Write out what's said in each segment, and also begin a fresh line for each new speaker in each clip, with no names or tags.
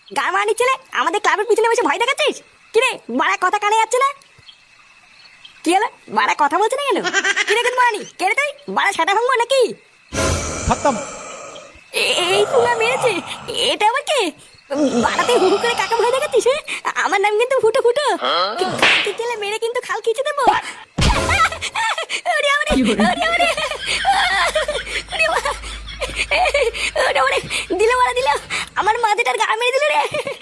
গান মারানি ছেলে আমাদের ক্লাবের পিছনে বসে ভয় দেখাচ্ছিস? কিরে বাড়া কথা কানে যাচ্ছে না? কি হলো বাড়া কথা বলছে না কেন? কিরে কিন্তু মারানি কে রে তুই? বাড়া সেটা ভাঙবো নাকি?
খতম।
এই পুলা মেরেছে। এটা আবার কে? বাড়াতে হুহু করে কাকা ভয় দেখাচ্ছিস? আমার নাম কিন্তু ফুটো ফুটো। কি কেলে মেরে কিন্তু খাল খিচে দেবো। ওরে আমারে ওরে আমারে ওরে বাবা। ওরে ওরে দিল মারা দিল আমার মাথাটার গা মেরে দিল রে।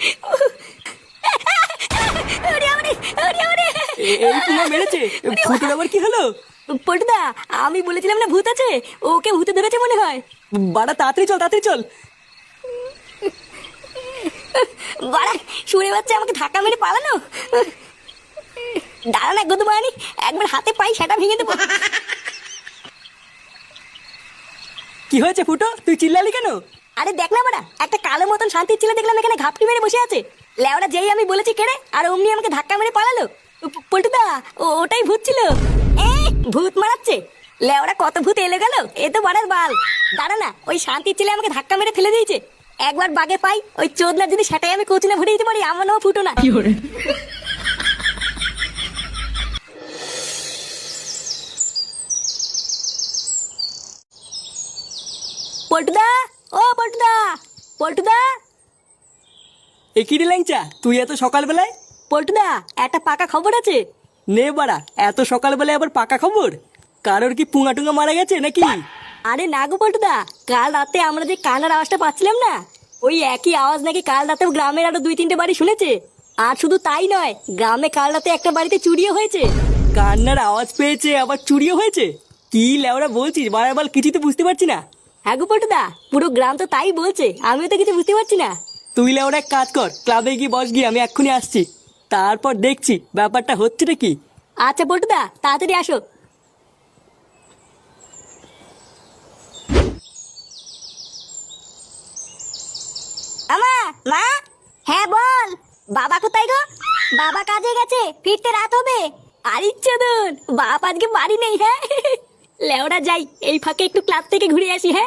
ওরে আমারে ওরে আমারে
এই পুরো মেরেছে। ফুটোর আবার কি হলো?
পটুদা আমি বলেছিলাম না ভূত আছে, ওকে ভূতে ধরেছে মনে হয়।
বাড়া তাড়াতাড়ি চল তাড়াতাড়ি চল।
বাড়া শুনে পাচ্ছে আমাকে ধাক্কা মেরে পালানো। দাঁড়া না গদমানি একবার হাতে পাই সেটা ভেঙে দেবো।
কি হয়েছে ফুটো, তুই চিল্লালি কেন?
আরে দেখ না বাড়া একটা কালো মতন শান্তির ছেলে দেখলাম এখানে ঘাপটি মেরে বসে আছে। লেওড়া যেই আমি বলেছি কেড়ে আর অমনি আমাকে ধাক্কা মেরে পালালো। পল্টুদা ওটাই ভূত ছিল। ভূত মারাচ্ছে? লেওড়া কত ভূত এলে গেল, এ তো বাড়ার বাল। দাঁড়া না ওই শান্তির ছেলে আমাকে ধাক্কা মেরে ফেলে দিয়েছে। একবার বাগে পাই ওই চোদনা যদি সেটাই আমি কোচিনে ভরে দিতে পারি আমার নাম ফুটো না। পল্টুদা ও পল্টুদা পল্টুদা।
এ কি রে ল্যাংচা, তুই এত সকালবেলায়?
পল্টুদা একটা পাকা খবর আছে।
নে বাড়া, এত সকালবেলায় আবার পাকা খবর? কারোর কি পুঙা টুঙা মারা গেছে নাকি?
আরে না গো পল্টুদা, কাল রাতে আমরা যে কান্নার আওয়াজটা পাচ্ছিলাম না, ওই একই আওয়াজ নাকি কাল রাতেও গ্রামের আরো 2-3টে বাড়ি শুনেছে। আর শুধু তাই নয়, গ্রামে কাল রাতে একটা বাড়িতে চুরিও হয়েছে।
কান্নার আওয়াজ পেয়েছে আবার চুরিও হয়েছে? কি লেওরা বলছিস বারবার, কিছুই তো বুঝতে পারছি না।
হ্যাঁ গো পল্টুদা, পুরো গ্রাম তো তাই বলছে, আমিও তো কিছু বুঝতে পারছি না।
তুই লেওরা এক কাজ কর, ক্লাবে গিয়ে বস গিয়ে, আমি এক্ষুনি আসছি। তারপর দেখছি ব্যাপারটা হচ্ছে নাকি।
আচ্ছা পল্টুদা তাড়াতাড়ি আসো। আমা মা। হ্যাঁ বল। বাবা কোথায় গো? বাবা কাজে গেছে, ফিরতে রাত হবে। আরে চোদন, বাপ আজকে বাড়ি নেই। হ্যাঁ লেওড়া যাই, এই ফাঁকে একটু ক্লাব থেকে ঘুরে আসি। হ্যাঁ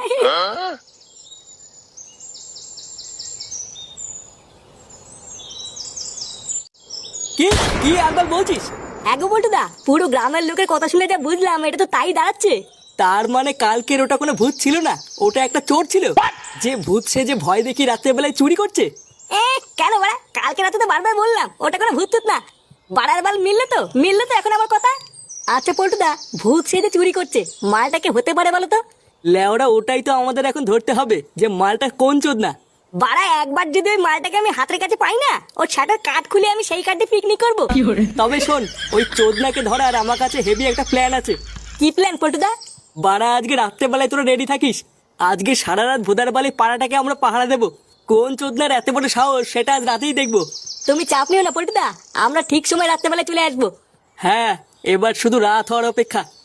কি কি একবার বলছিস?
হ্যাঁ গো পল্টুদা, পুরো গ্রামের লোকের কথা শুনে যা বুঝলাম এটা তো তাই দাঁড়াচ্ছে।
তার মানে কালকের ওটা কোনো ভূত ছিল না, ওটা একটা চোর ছিল, যে ভূত সে যে ভয় দেখি রাত্রেবেলায় চুরি করছে।
কেন বাড়া, কালকে রাতে তো বারবার বললাম ওটা কোনো ভূত টুত না। বাড়ার বাল মিললে তো এখন আমার কথা। আচ্ছা পল্টুদা, ভূত সে যে চুরি করছে, মালটাকে হতে পারে বলো তো?
লেওরা ওটাই তো আমাদের এখন ধরতে হবে, যে মালটা কোন চোদ না।
বাড়া একবার যদি ওই মালটাকে আমি হাতের কাছে পাই না, ওর ছাটার কাঠ খুলে আমি সেই কাঠে পিকনিক করবো।
তবে শোন, ওই চোদনাকে ধরার আমার কাছে হেভি একটা প্ল্যান আছে।
কি প্ল্যান পল্টুদা?
বাড়া আজকে রাত্রেবেলায় তোরা রেডি থাকিস। আজকে সারা রাত ভোদার বালি পাড়াটাকে আমরা পাহারা দেবো। কোন চোদনার এত বড় সাহস সেটা আজ রাতেই দেখবো।
তুমি চাপ নিও না পল্টুদা, আমরা ঠিক সময় রাত্রেবেলায় চলে আসবো।
হ্যাঁ, এবার শুধু রাত হওয়ার অপেক্ষা।